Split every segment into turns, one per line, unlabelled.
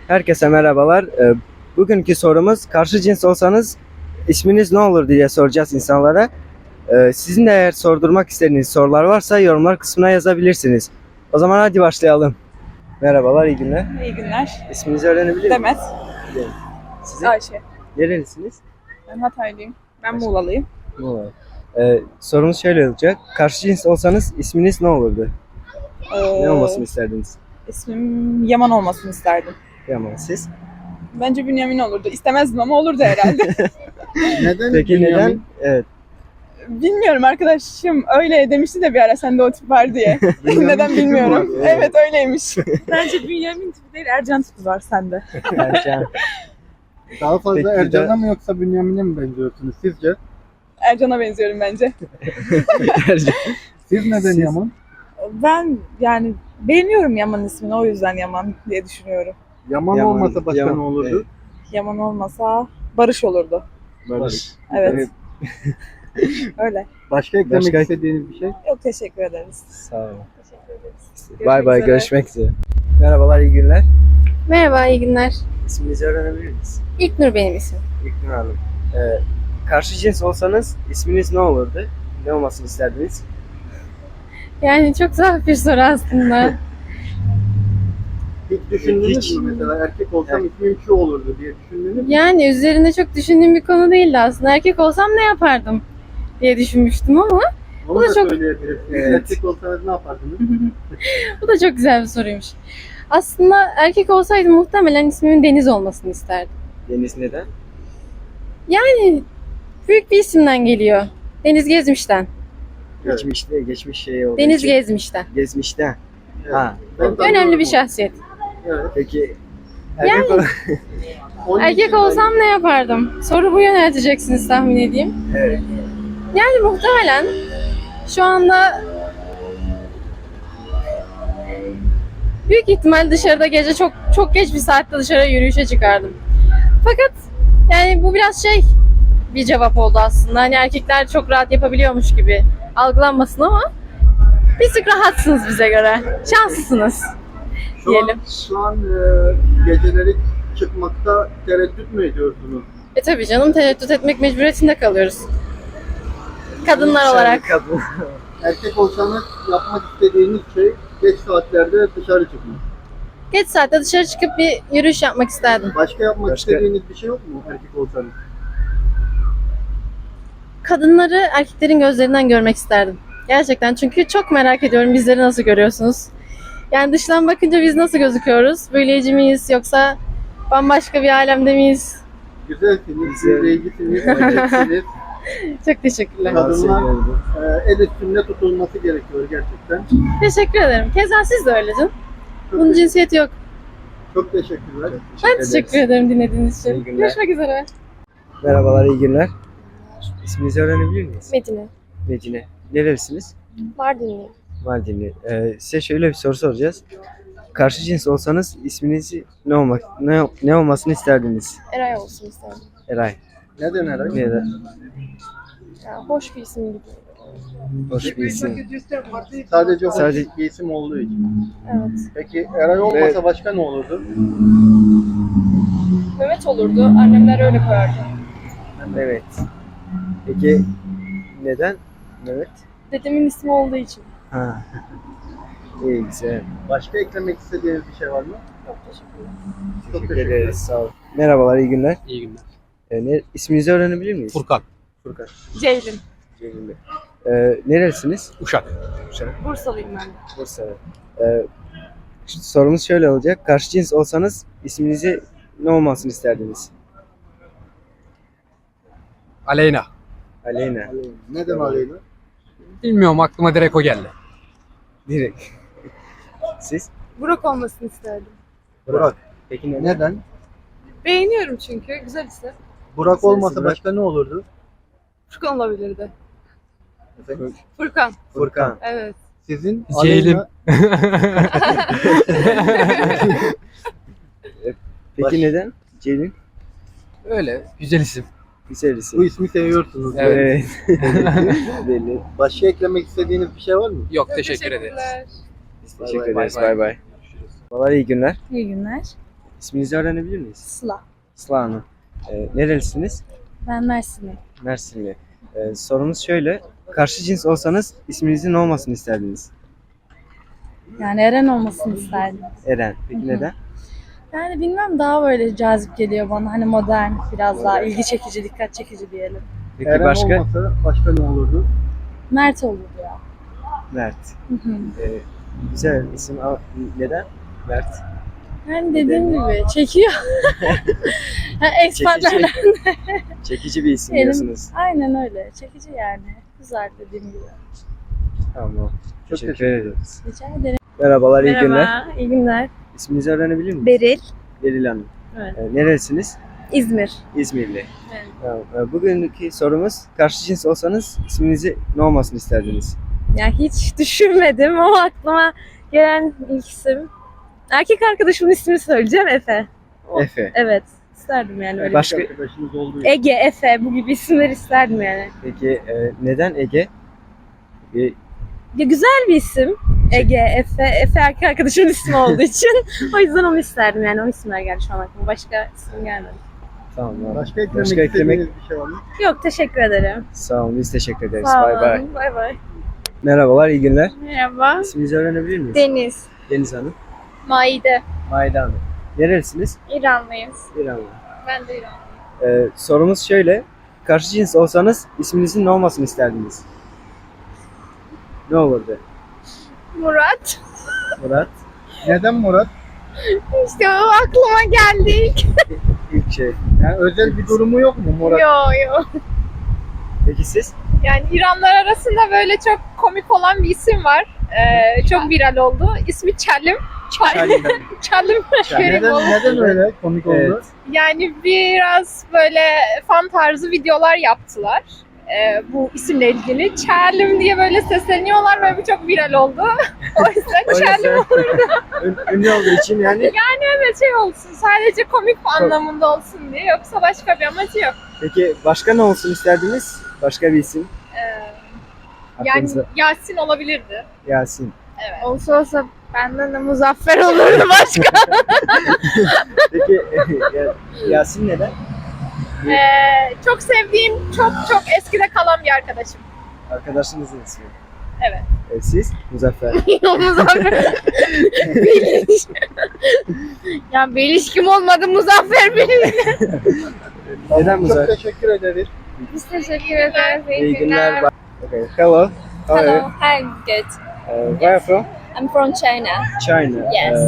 Herkese merhabalar. Bugünkü sorumuz karşı cins olsanız isminiz ne olur diye soracağız insanlara. Sizin de eğer sordurmak istediğiniz sorular varsa yorumlar kısmına yazabilirsiniz. O zaman hadi başlayalım. Merhabalar, iyi günler.
İyi günler.
İsminizi öğrenebilir miyim?
Demet.
Sizin
Ayşe.
nerelisiniz?
Ben Hataylıyım. Ben
Ayşe.
Muğla'lıyım.
Muğla. Sorumuz şöyle olacak. Karşı cins olsanız isminiz ne olurdu? Ne olmasını isterdiniz?
İsmim Yaman olmasını isterdim.
Yaman, siz?
Bence Bünyamin olurdu. İstemezdim ama olurdu herhalde.
Neden?
Peki neden?
Bünyamin?
Evet.
Bilmiyorum, arkadaşım öyle demişti de bir ara sende o tip var diye.
Bünyamin
Neden
tipi mi
bilmiyorum.
var?
Evet öyleymiş. Bence Bünyamin tipi değil, Ercan tipi var sende.
Ercan.
Daha fazla
Peki,
Ercan'a mı yoksa Bünyamin'e mi benziyorsunuz sizce?
Ercan'a benziyorum bence.
Ercan.
Siz neden
Siz-
Yaman?
Ben yani beğeniyorum Yaman ismini, o yüzden Yaman diye düşünüyorum.
Yaman,
Yaman,
olmasa başka
Yaman,
ne olurdu?
evet.
Yaman olmasa Barış olurdu.
Barış.
Evet. Öyle.
Başka eklemek
Başka-
istediğiniz bir şey?
Yok, teşekkür ederiz.
Sağ olun.
Teşekkür ederiz.
Bay bay,
üzere.
görüşmek üzere. Merhabalar, iyi günler.
Merhaba, iyi günler.
İsminizi öğrenebilir miyiz?
İlknur benim isim.
İlknur Hanım. Karşı cins olsanız isminiz ne olurdu? Ne olmasını isterdiniz?
Yani çok zor bir soru aslında.
Hiç düşündünüz
Hiç.
mü mesela erkek olsam
Evet.
ismim şu olurdu diye düşündünüz mü?
Yani üzerinde çok düşündüğüm bir konu değildi aslında. Erkek olsam ne yapardım diye düşünmüştüm ama
Onu
da
da
çok-
söyleyebilirsiniz.
Evet.
Erkek olsanız ne yapardınız?
bu da çok güzel bir soruymuş. Aslında erkek olsaydım muhtemelen ismimin Deniz olmasını isterdim.
Deniz neden?
Yani büyük bir isimden geliyor. Deniz Gezmiş'ten.
Evet.
Geçmiş şey olduğu
Deniz
için.
Gezmiş'ten.
Gezmişten.
Evet.
Ha.
Ben
Önemli
tanıyorum
bir
onu.
şahsiyet.
Evet.
Peki
Yani-
erkek ol-
Onun
Erkek
için
olsam ne yapardım? Soru bu yönelteceksiniz tahmin edeyim.
Evet.
Yani muhtemelen şu anda büyük ihtimal dışarıda gece çok geç bir saatte dışarı yürüyüşe çıkardım. Fakat yani bu biraz bir cevap oldu aslında. Hani erkekler çok rahat yapabiliyormuş gibi algılanmasın ama bir tık rahatsınız bize göre. Şanslısınız. diyelim.
Şu an geceleri çıkmakta tereddüt mü ediyorsunuz?
Tabii canım, tereddüt etmek mecburiyetinde kalıyoruz. Kadınlar olarak.
Kadın.
Erkek olsanız yapmak istediğiniz şey geç saatlerde dışarı çıkmak.
Geç saatte dışarı çıkıp bir yürüyüş yapmak isterdim.
Başka yapmak
Başka?
istediğiniz bir şey yok mu erkek olsanız?
Kadınları erkeklerin gözlerinden görmek isterdim. Gerçekten, çünkü çok merak ediyorum bizleri nasıl görüyorsunuz? Yani dıştan bakınca biz nasıl gözüküyoruz? Büyüleyici miyiz yoksa bambaşka bir alemde miyiz?
Güzelsiniz,
Güzel.
büyüleyicisiniz, erkeksiniz.
Çok teşekkürler.
Kadınlar el üstünde tutulması gerekiyor gerçekten.
Teşekkür ederim. Keza siz de öyle canım.
Çok,
Bunun cinsiyeti yok.
çok teşekkürler.
Ben teşekkür ederim dinlediğiniz
İyi
için.
günler.
Görüşmek üzere.
Merhabalar, iyi günler. İsminizi öğrenebilir miyiz?
Medine.
Medine. Nerelisiniz?
Mardinli.
Mardinli. Size şöyle bir soru soracağız. Karşı cins olsanız isminizi ne olmasını isterdiniz?
Eray olsun isterdim.
Eray.
Neden Eray?
Neden?
Ya, hoş bir isim gibi.
Hoş bir isim.
Sadece hoş
Sadece-
bir isim olduğu için.
Evet.
Peki Eray olmasa başka ne olurdu?
Mehmet olurdu. Annemler öyle koyardı.
Evet. Peki neden? Evet.
Dedemin ismi olduğu için.
Ha. İyi, güzel.
Başka eklemek istediğiniz bir şey var mı?
Çok teşekkürler.
Çok
Teşekkür ederiz. Sağ olun. Merhabalar, iyi günler.
İyi günler.
İsminizi öğrenebilir miyiz?
Furkan,
Furkan.
Ceylin.
Cemil Bey. Nerelisiniz?
Uşak.
Bursalıyım ben de.
Bursa'da. Sorumuz şöyle olacak. Karşı cins olsanız isminizi ne olmasını isterdiniz?
Aleyna.
Aleyna.
Neden
Tamam.
Aleyna?
Bilmiyorum, aklıma direkt o geldi.
Direkt. Siz?
Burak olmasını isterdim.
Burak. Peki neden?
Neden?
Beğeniyorum çünkü. Güzel isim.
Burak
Güzel
olmasa
isim.
başka ne olurdu?
Furkan olabilirdi.
Efendim?
Furkan.
Furkan.
Evet.
Sizin
Ceylin.
Aleyna-
Peki
Baş-
neden? Celin.
Öyle, güzel isim.
Güzel isim.
Bu ismi seviyorsunuz.
Evet.
Belli.
Başka eklemek istediğiniz bir şey var mı?
Yok, teşekkür ederiz.
Teşekkür
Bay
ederiz.
bay.
Bay bay. Vallahi iyi günler.
İyi günler.
İsminizi öğrenebilir miyiz?
Sıla.
Sıla Hanım. Nerelisiniz?
Ben Mersin'im.
Mersinli. Sorumuz şöyle. Karşı cins olsanız isminizin ne olmasını isterdiniz?
Yani Eren olmasını isterdim.
Eren. Peki
Hı hı.
neden?
Yani bilmem daha böyle cazip geliyor bana. Hani modern, biraz daha ilgi çekici, dikkat çekici diyelim.
Peki
Eren
başka?
olmasa başka ne olurdu?
Mert olurdu ya.
Mert.
Hı hı.
Güzel isim ama neden? Mert.
Yani dediğim gibi çekiyor. Ha, Expatlerden.
Çekici bir isim
Benim-
diyorsunuz.
Aynen öyle. Çekici yani. Güzel dediğim gibi.
Tamam.
Çok
Teşekkür ederiz.
Rica ederim.
Merhabalar, iyi günler.
Merhaba, iyi günler.
İsminizi öğrenebilir miyim?
Beril,
Beril Hanım.
Evet.
Nerelisiniz?
İzmir.
İzmirli.
Evet.
Tamam. Bugünkü sorumuz karşı cins olsanız isminizi ne olmasını isterdiniz?
Ya hiç düşünmedim ama aklıma gelen ilk isim. Erkek arkadaşımın ismini söyleyeceğim, Efe.
Efe.
Evet, isterdim yani öyle.
Başka-
Arkadaşınız olduğu için.
Ege, Efe, bu gibi isimler isterdim yani.
Peki neden Ege?
Ya güzel bir isim. Ege, Efe, Efe erkek arkadaşımın ismi olduğu için. O yüzden onu isterdim yani, o isimler geldi şu an aklıma. Başka isim gelmedi.
Tamam.
Başka eklemek
Başka eklemek-
istediğiniz bir şey var mı?
Yok, teşekkür ederim.
Sağ olun, biz teşekkür ederiz.
Sağ
Bay bay.
olun, bay bay.
Merhabalar, iyi günler.
Merhaba.
İsminizi öğrenebilir miyiz?
Deniz.
Deniz Hanım.
Maide.
Maide Hanım. Nerelisiniz?
İranlıyız.
İranlı.
Ben de İranlıyım.
Sorumuz şöyle. Karşı cins olsanız isminizin ne olmasını isterdiniz? Ne olurdu?
Murat.
Murat.
Neden Murat?
İşte o aklıma geldi.
İlk şey.
Yani özel bir durumu yok mu Murat?
Yo.
Peki siz?
Yani İranlar arasında böyle çok komik olan bir isim var. Çok viral oldu. İsmi Çalim. Çalim.
Neden öyle komik oldu?
Evet.
Yani biraz böyle fan tarzı videolar yaptılar. Bu isimle ilgili. Çalim diye böyle sesleniyorlar ve bu çok viral oldu. O yüzden Çalim.
Ünlü olduğu için yani.
Evet şey olsun. Sadece komik anlamında olsun diye. Yoksa başka bir amacı yok.
Peki başka ne olsun isterdiniz? Başka bir isim.
Yani
Aklınıza.
Yasin olabilirdi.
Yasin.
Evet.
Olsa benden de Muzaffer olurdu başka.
Peki Yasin neden?
Çok sevdiğim, çok eskide kalan bir arkadaşım.
Arkadaşınızın ismi.
Evet.
Siz? Muzaffer.
Muzaffer. Beliş. Ya Beliş kim olmadı Muzaffer Beliş.
Neden
Çok
Muzaffer?
teşekkür ederiz.
Biz teşekkür ederiz.
İyi günler. Okay. Hello. How are you?
Hello, hi, good.
Where are you from?
I'm from China.
China.
Yes.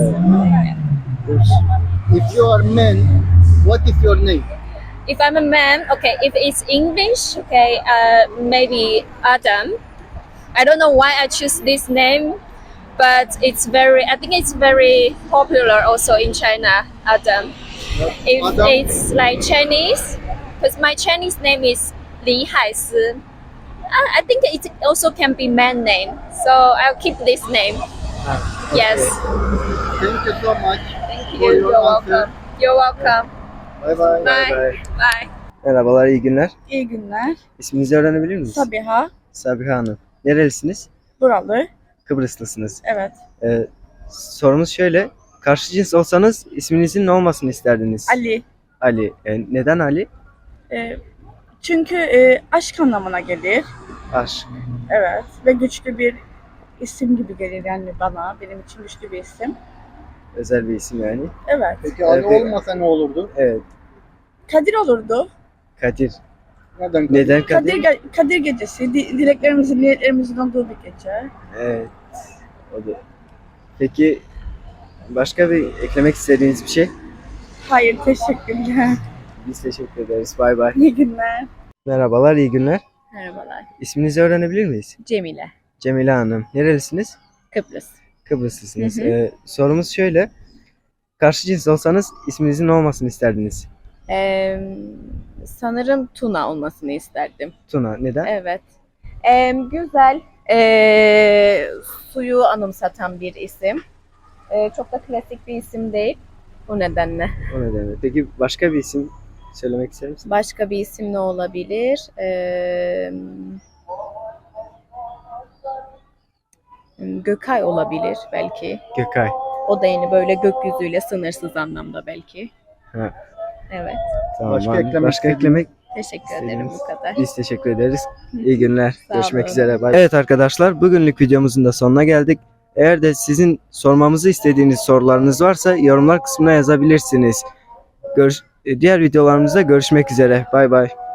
If you are man, what is your name?
If I'm a man, okay, if it's English, okay, maybe Adam. I don't know why I choose this name, but I think it's very popular also in China, Adam. If
Adam.
it's like Chinese, because my Chinese name is Li Haisi. I think it also can be man name, so I'll keep this name. Yes.
Thank you so much.
Thank
For
you.
your
You're
answer.
welcome. You're welcome.
Bye bye.
Bye. Bye.
Merhabalar, iyi günler.
İyi günler.
İsminizi öğrenebilir miyiz?
Sabiha.
Sabiha Hanım. Nerelisiniz?
Buralı.
Kıbrıslısınız.
Evet.
Sorumuz şöyle. Karşı cins olsanız isminizin ne olmasını isterdiniz?
Ali.
Ali. Neden Ali?
Çünkü aşk anlamına gelir.
Aşk.
Evet. Ve güçlü bir isim gibi gelir yani bana. Benim için güçlü bir isim.
Özel bir isim yani.
Evet.
Peki Ali
Evet.
olmasa ne olurdu?
Evet.
Kadir olurdu.
Kadir.
Neden?
Neden Kadir?
Kadir gecesi. Dileklerimizin, niyetlerimizin olduğu bir gece.
Evet. O da. Peki başka bir eklemek istediğiniz bir şey?
Hayır, teşekkürler.
Biz teşekkür ederiz. Bay bay.
İyi günler.
Merhabalar, iyi günler.
Merhabalar.
İsminizi öğrenebilir miyiz?
Cemile.
Cemile Hanım. Nerelisiniz?
Kıbrıs.
Kıbrıslısınız.
Hı hı.
Sorumuz şöyle. Karşı cins olsanız isminizin ne olmasını isterdiniz?
Sanırım Tuna olmasını isterdim.
Tuna. Neden?
Evet. Güzel. Suyu anımsatan bir isim. Çok da klasik bir isim değil. O nedenle.
O nedenle. Peki başka bir isim söylemek ister misin?
Başka bir isim ne olabilir? Gökay olabilir belki.
Gökay.
O da yeni böyle gökyüzüyle sınırsız anlamda belki.
Ha.
Evet.
Tamam,
Başka
abi.
eklemek
Başka
istediğiniz-
eklemek
Teşekkür ederim bu kadar.
Biz teşekkür ederiz. İyi günler.
Sağ
Görüşmek
olun.
üzere. Bye. Evet arkadaşlar, bugünlük videomuzun da sonuna geldik. Eğer de sizin sormamızı istediğiniz sorularınız varsa yorumlar kısmına yazabilirsiniz. Diğer videolarımızda görüşmek üzere. Bay bay.